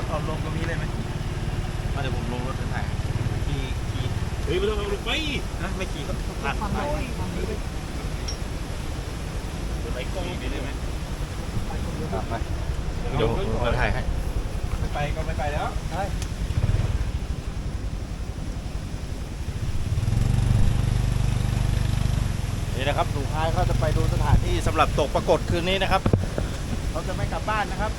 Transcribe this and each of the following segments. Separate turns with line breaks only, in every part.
เอาลงตรงนี้เลยไหมมาเดี๋ยวผมลงรถถ่ายขี่เฮ้ยไม่ต้องเอาลงไปนะไม่ขี่ก็ผ่านไปไปกล้องได้ไหมไปเดี๋ยวผมถ่ายให้ไม่ไปก็ไม่ไปแล้วใช่นี่นะครับลุงพายเขาจะไปดูสถานที่สำหรับตกปรากฏคืนนี้นะครับเขาจะไม่กลับบ้านนะครับ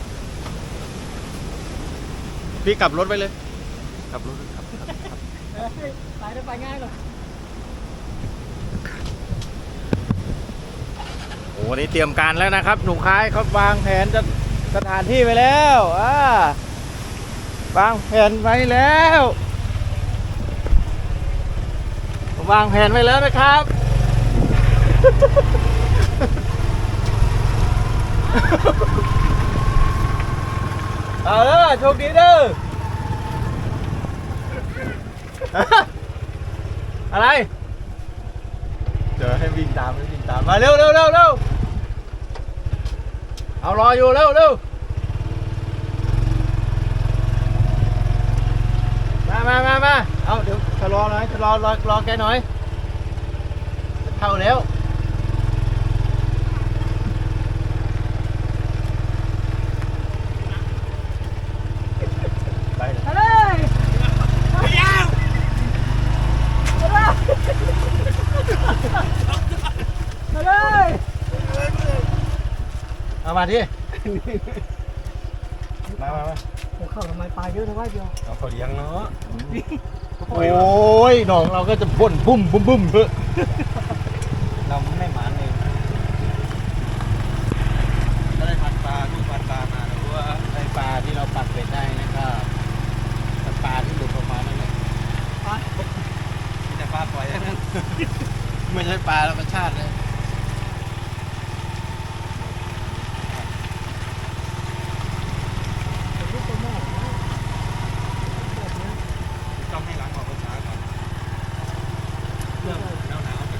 พี่กลับรถไปเลยกลับรถครับ
ไปได้ไปง่ายเลย
โอ้นี่เตรียมการแล้วนะครับหนุ่มคายเขาวางแผนจะสถานที่ไปแล้ววางแผนไว้แล้ววางแผนไว้แล้วนะครับเอาเด้อโชคดีเด้ออะไรเดี๋ยวให้วิ่งตามมาเร็วเอารออยู่เร็วมาเอาเดี๋ยวชะลอหน่อยรอแกหน่อยจะเข้าแล้วไปเลยมาเลยเอามาดิมา
เข้าทำไมปลาเยอะทำไมเดียว
เอาเขาเลี้ยงเนาะโอ้ยหนองเราก็จะพ่นบุ้มเพื่อเราไม่หมานเองถ้าได้พันปลาลูกพันปลามาหรือว่าได้ปลาที่เราปักเป็ดได้นะก็ปลาที่หลุดออกมานั่นแหละมีแต่ปลาปล่อยนั่นไม่ใช่ปลาธรรมชาติเลยต้องให้ล้างออกภาษาก่อนเรื่องหนาว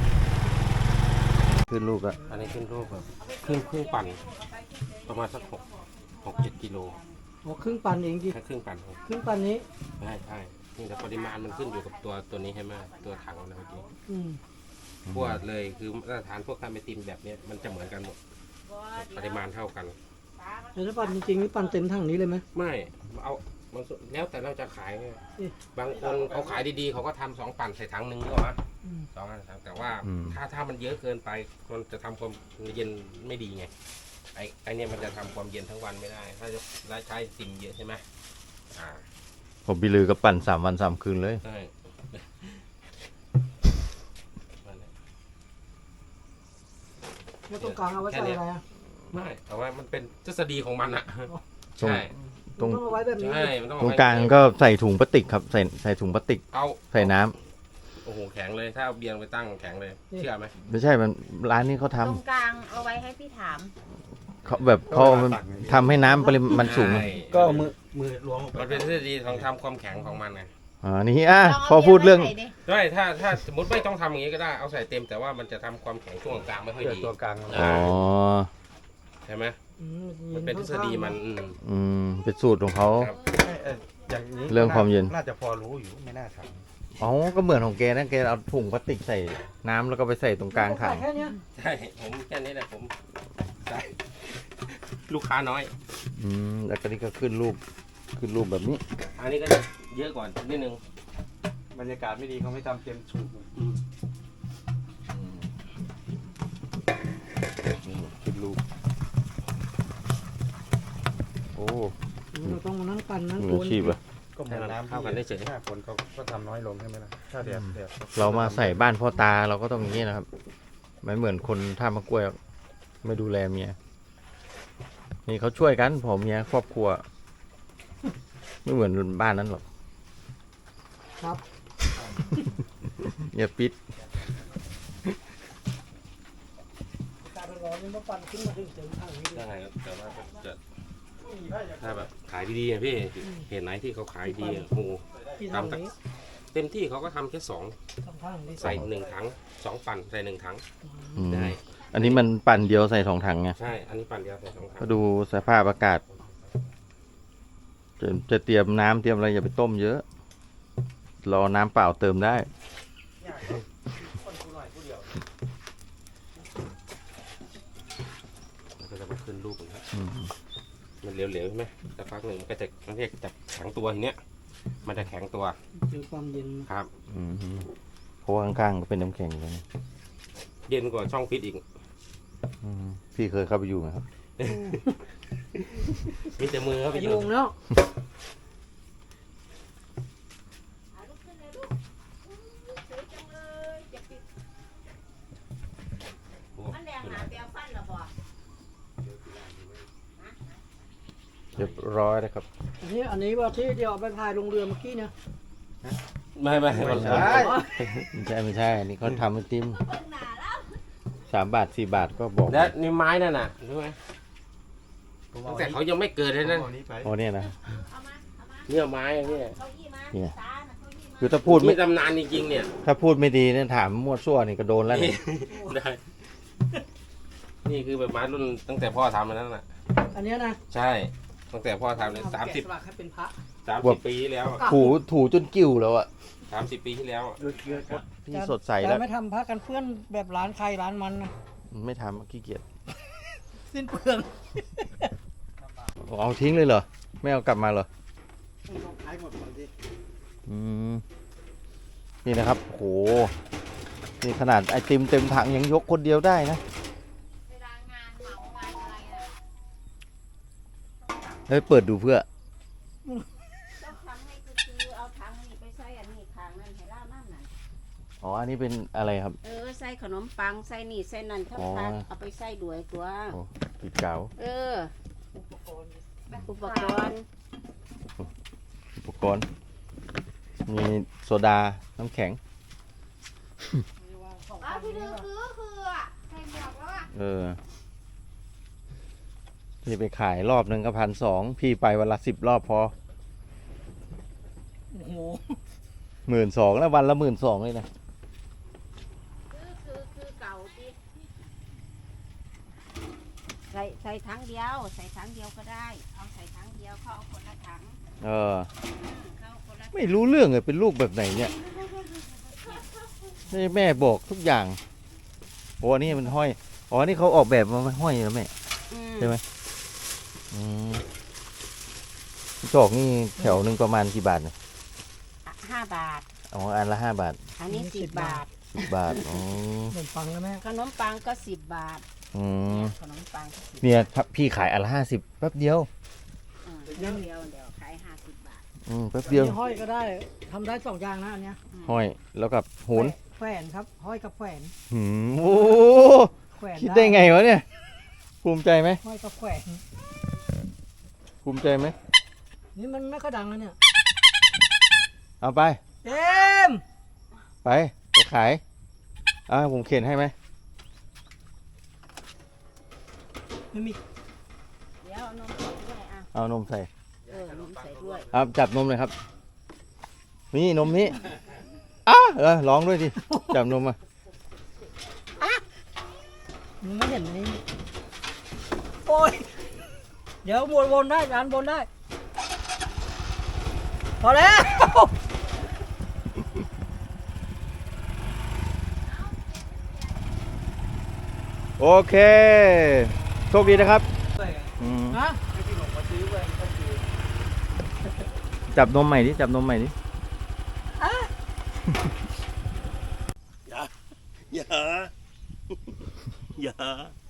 ขึ้นลูกอะ
อันนี้ขึ้นรูปแบบครึ่งปั่นประมาณสัก6-7 กิโล
โอ้ครึ่งปันเองดิ
แค่ครึ่งปั่น
ครึ่งปันนี้
ใช่นี่แต่ปริมาณมันขึ้นอยู่กับตัวนี้ใช่ไหมตัวถังนะเมื่อกี้พวกเลยคือมาตรฐานพวกทำไอติมแบบนี้มันจะเหมือนกันหมดปริมาณเท่ากัน
แล้วปันจริงๆนี่ปันเต็มถังนี้เลยไหม
ไม่เอามันแล้วแต่เราจะขายบางคนเขาขายดีๆเขาก็ทำ2 ปั่นใส่ถังหนึ่งก็มา2 อันแต่ว่าถ้ามันเยอะเกินไปมันจะทำความเย็นไม่ดีไงไอเนี่ยมันจะทำความเย็นทั้งวันไม่ได้ถ้าจะใช้ติ่มเยอะใช่ไหม
ผมบิลือกับปั่น3 วัน 3 คืนเลย
ใช่
แล้วตรงกลางเอาไว้ใส่อะไรอ่ะ
ไม่เอาไว้มันเป็นทฤษฎีของมันอะ
ใช่
ต้องเอาไว้แบบนี้
ตรงกลางก็ใส่ถุงพลาสติกครับใส่ถุงพลาสติกใส่น้
ำโอ้โหแข็งเลยถ้าเอาเบียร์ไปตั้งแข็งเลยเชื่อไหม
ไม่ใช่มันร้านนี้เขาทำ
ตรงกลางเอาไว้ให้พี่ถาม
เขาแบบเขาทำให้น้ำปริมาณสูง
ก็มือล้วงมันเป็นทฤษฎีของทำความแข็งของมันไง
นี่พอพูดเรื่อง
ได้ถ้าสมมติไม่ต้องทำอย่างนี้ก็ได้เอาใส่เต็มแต่ว่ามันจะทำความแข็งช่วงกลางไม่ค่อยดี
ตัวกลาง
ใช่ไหมมันเป็นทฤษฎีมัน
เป็นสูตรของเขา
อย่างนี้
เรื่องความเย็น
น่าจะพอรู้อยู่ไม่น่าท
ำก็เหมือนของแกนะแกเอาถุงพลาสติกใส่น้ำแล้วก็ไปใส่ตรงกลางถัง
ใช่ผมแค่นี้แหละผมใช่ลูกค้าน้อย
แล้วก็นี่ก็ขึ้นรูปแบบนี้
อันนี้ก็เยอะกว่านิดนึง
บรรยากาศไม่ดีเขาไม่ทำเต็มสูบขึ้นรูปโอ้
เราต้องนั่งปั่นนั่ง
มืออาชีพอะ
ก็เหมือนน้ำเข้ากันได้เฉย
ถ้าฝนเขาก็ทำน้อยลงใช่ไหมล่ะถ้าแดดเรามาใส่บ้านพ่อตาเราก็ต้องอย่างนี้นะครับไม่เหมือนคนท่ามะกล้วยไม่ดูแลเมียนี่เขาช่วยกันผมเมียครอบครัวไม่เหมือนบ้านนั้นหรอก
ครับ
อย่าปิด
การร้อนนี่มาปั่นขึ้นมาถึงเต็มถังนี้
ได้ครับแต่ว่าจะถ้าแบบขายดีๆพี่เห็นไหนที่เขาขายดีโอ้ทำเต็มที่เขาก็ทำแค่2ใส่1 ถัง2 ปั่นใส่1 ถังได้
อันนี้มันปั่นเดียวใส่2 ถังไง
ใช่อันนี้ปั่นเดียวใส่2 ถัง
ก็ดูสภาพอากาศจะเตรียมน้ำเตรียมอะไรอย่าไปต้มเยอะ รอน้ำเปล่าเติมได้
คนกูหน่อยกูเดียว
แล้วก็จะมาขึ้นรูปนะครับ
อืม
มันเหลวๆใช่ไหมสักพักหนึ่งมันก็จะมันเรียกจะแข็งตัวทีเนี้ยมันจะแข็งตัว
เจอความเย็น
ครับ
อืมเพราะว่าข้างๆก็เป็นน้ำแข็งเลยนะ
เย็นกว่าช่องฟิตอีก
อืมพี่เคยเข้าไปอยู่ไหมครับ
มีแต่มือเข้าไป
ไป
อยู่
ลงแล้ว
ลุกขึ้นเลยลูกสวยจังเลยจะปิด
โอ้
มันแดงหนาเปียฟันเหรอบ่
เรียบร้อยนะครับ
อันนี้ว่าที่เดียวเอาไปพายลงเรือเมื่อกี้เนี่ย
ไม่
ไม่ใช่ไม่ใช่อันนี้เขาทำไอติม
เบิ่งหนาแล้ว
3 บาท 4 บาทก็บอก
แล้วนี่ไม้นั่นน่ะรู้ไหมตั้งแต่เขายังไม่เกิดเลยนั่น
โอ้เนี่ยนะ
เอามา
เนี่ยไม้เนี่ย
เก้าอี้มา
เนี่ย
ตาน่ะเก้าอี้มา
คือถ้าพูด
มี
ไม่
ตำนานจริงๆเนี่ย
ถ้าพูดไม่ดีเนี่ยถามมั่วซั่วนี่ก็โดนแล้วเนี่ย
ได้ นี่คือแบบไม้รุ่นตั้งแต่พ่อทำมานั่นน่ะ
อันเนี้ยนะ
ใช่ ตั้งแต่พ่อทำเลย
เอ
30
แกะสลักให้เป็นพระ
ปีที่แล้วอะ
ถูจนกิ้วแล้วอะ
30 ปีที่แล้วอะ
พี่สดใส
แต่
แล้ว
ไม่ทำพระกันเพื่อนแบบร้านใครร้านมันนะ
ไม่ทำขี้เกียจ
สิ้นเปลือง
เอาทิ้งเลยเหรอ ไม่เอากลับมาเหรอ
ขายหมดก่อนดิ
อืมนี่นะครับโหนี่ขนาดไอติมเต็มถังยังยกคนเดียวได้นะ
เวลางานเหมางานอะไรอ่ะ
เฮ้ยเปิดดูเพื่อ
ต้องทำให้คือเอาถังนี่ไปใส่อันนี้ถังนั่นให้เล่านั่นน่ะ
อ๋ออันนี้เป็นอะไรครับ
ใส่ขนมปังใส่นี่ใส่นั่นทั้ง
อ๋อ
พักเอาไปใส่ด้วยตัว
โอ้กีดเก๋า
อุปกรณ์
อุปกรณ์มีโซดาน้ำแข็ง
อ้าวพี่ดือคืออ่ะใส่หมวกแล้วอ่ะ
นี่ไปขายรอบหนึ่งก็1,200พี่ไปวันละ10 รอบพอ
โอ้โห
12,000แล้ววันละ12,000เลยนะ
คือเก่าติใส่ถังเดียว ใส่ถังเดียวก็ได้ เอาใส่ถังเดียวเขาเอาคนละถัง
เขา
คนละ
ไม่รู้เรื่องเลยเป็นลูกแบบไหนเนี่ยนี่แม่บอกทุกอย่างโอ้อันนี่มันห้อยอ๋อนี่เขาออกแบบมาห้อยแล้วแม่ ใช่ไหม อืมจอกนี่แถวหนึ่งประมาณกี่บาทเนี่ย
5 บาท
อ๋ออันละ5 บาท
อันนี้10 บาท
10 บาทอ๋อ
ขนมปังแล้วแม่
ขนมปังก็10 บาท
อืม
ขนมปังก็10
เนี่ยครับพี่ขายอันละ50แป๊บเดียว
เดี๋ยวขาย50 บาท
แป๊บเดียว
อันนี้ห้อยก็ได้ทำได้สองอย่างนะอันเนี้ย
ห้อยแล้วกับโหน
แขวนครับห้อยกับแขวน
โอ้
แขวน
คิดได้ไงวะเนี่ย ภูมิใจไหม
ห้อยกับแขวน
ภูมิใจไหม
นี่มันไม่ค่อยดังนะเนี่ย
เอาไป
เต็ม
ไปขายผมเข็นให้ไหม
ไม่มี
เดี๋ยวเอานมใส่ด้วยอ่ะ
เอานมใส่
นมใส่ด้วย
จับนมเลยครับ นี่นมนี้ร้องด้วยดิจับนมมา
มึงไม่เห็นนี่โอ้ยเดี๋ยววนได้ร้านวนได้พอแล้ว
โอเคโชคดีนะครับ
ฮะ
จับนมใหม่ดิจับนมใหม่ดิ
อย่า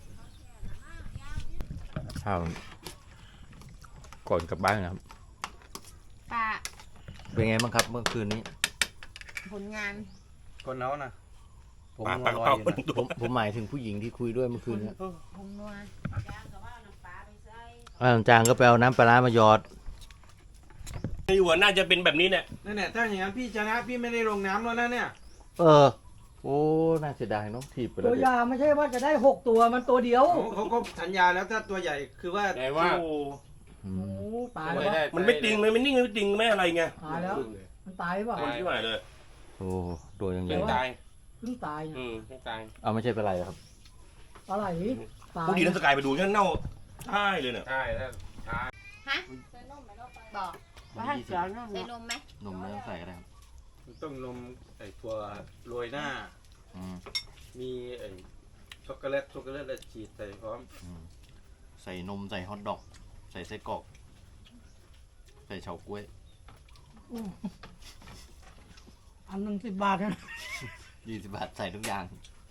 ข้าวก่อนกลับบ้านนะครับ
ป้า
เป็นไงบ้างครับเมื่อคืนนี้
ผลงาน
คนเขานะผม
ปาก
ลอย
เป้า
อยู่
คน
นะ
ตัว
ผมหมายถึงผู้หญิงที่คุยด้วยเมื่อคืนนี้
ผงนัวจางกับว่าน้ำปลาไปใส่
จางก็ไปเอาน้ำปลาร้ามาหยอด
อยู่หัวน่าจะเป็นแบบนี้เนี่ย
นั่นแหละถ้าอย่างนั้นพี่ชนะพี่ไม่ได้ลงน้ำแล้วนะเนี่ย
โอ้น่าเสียดายเนาะถีบไปแล้
ตัว ว
ดิ
ยาไม่ใช่ว่าจะได้6 ตัวมันตัวเดียว
เขาก็สัญญาแล้วถ้าตัวใหญ่คือว่า
แต่ว่า
โอ้
อื
โอ้
ม
ตาย
ไม่
แล้ว
ได้มันไม่จริงเลยมันนิ่งไม่จริงไม่อะไรไง
ตายแล้ว มันตายเปล่า
ตายที่ไหนเลย
โอ้ตัวยังไง
ยังตาย
เพิ่งตายเนี่ย
ยังตาย
เอาไม่ใช่เป็นไรครับ
อะไรตาย
ผู้ดีนักสกายไปดูงั้นเน่าใช่เลยเนี่ย
ใช่ถ้า
ฮะใส่นมไหมเราไปบอก
มาให้เสือนั่น
ใส่
เนาะ
นมไหม
นมไม่ต้องใส่ก็ได้ครับ
ต้องนมไอ้ถั่วโรยหน้า
อืม
มีไอ้ช็อกโกแลตแล้วฉีดใส่พร้อม
อืมใส่นมใส่ฮอทดอก ใส่ไส้กรอก ใส่เฉาก๊วย
อันหนึง10 บาทนะ
20 บาทใส่ทุกอย่าง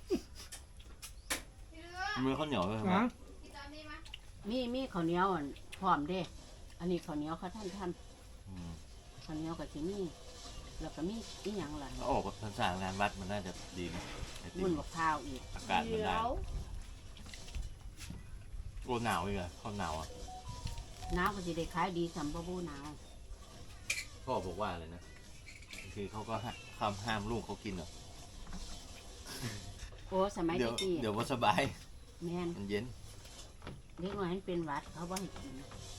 มือข้าวเหนียวเลยครับ
นะ
มีข้าวเหนียวอ่ะพร้อมเด้ อันนี้ข้าวเหนียวเขาท่าน
อืม
ข้าวเหนียวกับที่นี่แล้วก็มีอีหยังล่ะ
ถ้าออกภาษางานวัดมันน่าจะดีนะไอติ
บุญ
ม
บักข้าวอีก
อากาศมันได้โอ้หนาวอีกอะข้าวหนาวอ่ะ
น้ำก็จะได้ขายดีสำบ่บูหนาว
พ่อบอกว่าเลยนะคือเขาก็ห้ามลูกเขากินเหรอ
โอ้สมัย
เดี๋ยว
กี้
เดี๋ยวว่าสบาย
แม่น
มันเย็น
เด็กน้อยมันเป็นหวัดเขาบ่ให้กิน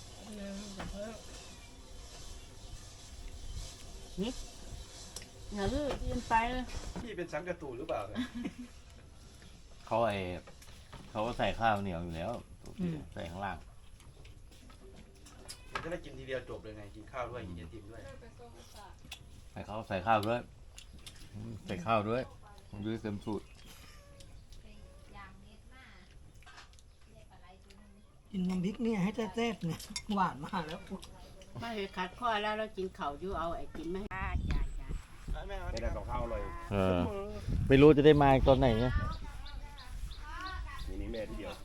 นี่อย่าลืมกินไปเลย
พี่เป็นสังกะตูหรือเปล่าเนี่ย
เขาเขาก็ใส่ข้าวเหนียวอยู่แล้วใส่ข้างล่าง
มันจะได้กินทีเดียวจบเลยไงกินข้าวด้วยกินไอติมด้วย
ใส่ข้าวด้วยใส่ข้าวด้วยมันด้วยเต็มสูตร
กินน้ำพริกเนี่ยให้แซ่บๆเนี่ยหวานมากแล้ว
มาเห็ดขัดข้อแล้วเรากินข้าวอยู่เอาไอ้กินมาให้จ้า
ไม่ได้ของข้าวเลย
ไม่รู้จะได้มาตอนไหนเนี่ย
นี่แม่ที่เดียว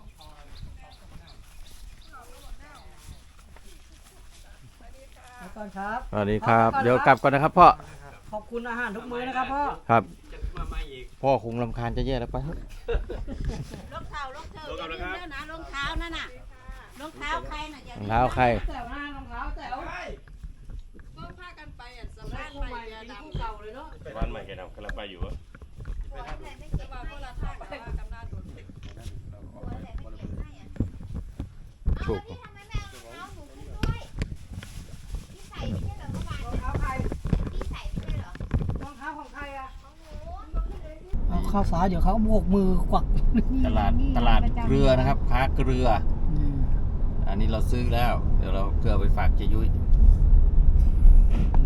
ไปก่อนครับ
สวัสดีครับ เดี๋ยวกลับก่อนนะครับพ่อ
ขอบคุณอาหารทุกมื้อนะครับพ่อ
ครับ
จะมาใหม่อีก
พ่อคงรำคาญจะแย่แล้วไป
รองเท้ารองเท้าอย่าลืมแล้วนะรองเท้านั่นน่ะรองเท้าใครน่ะอย่าร
อง
ลืม
เท้าใคร
แต๋วหน้ารองเท้าแต๋ว
ก็พากันไปอ่ะส
ใส่
บาย
คู่
ไป
ใหม่
ยา
ดี
ดำ
คู่เก่าเลยเนาะ
บ้านใหม่แกนำกำลังไปอยู่อะ
สบายก็ละทางแต่ว่ากำนันโดน
ถูก
รองเท้าใครรองเท้าของใครอะเอาเข้าสายเดี๋ยวเขาโบกมือกวัก
ตลาดเกลือนะครับค้าเกลือ อันนี้เราซื้อแล้ว เดี๋ยวเราเกลือไปฝากเจยุ้ย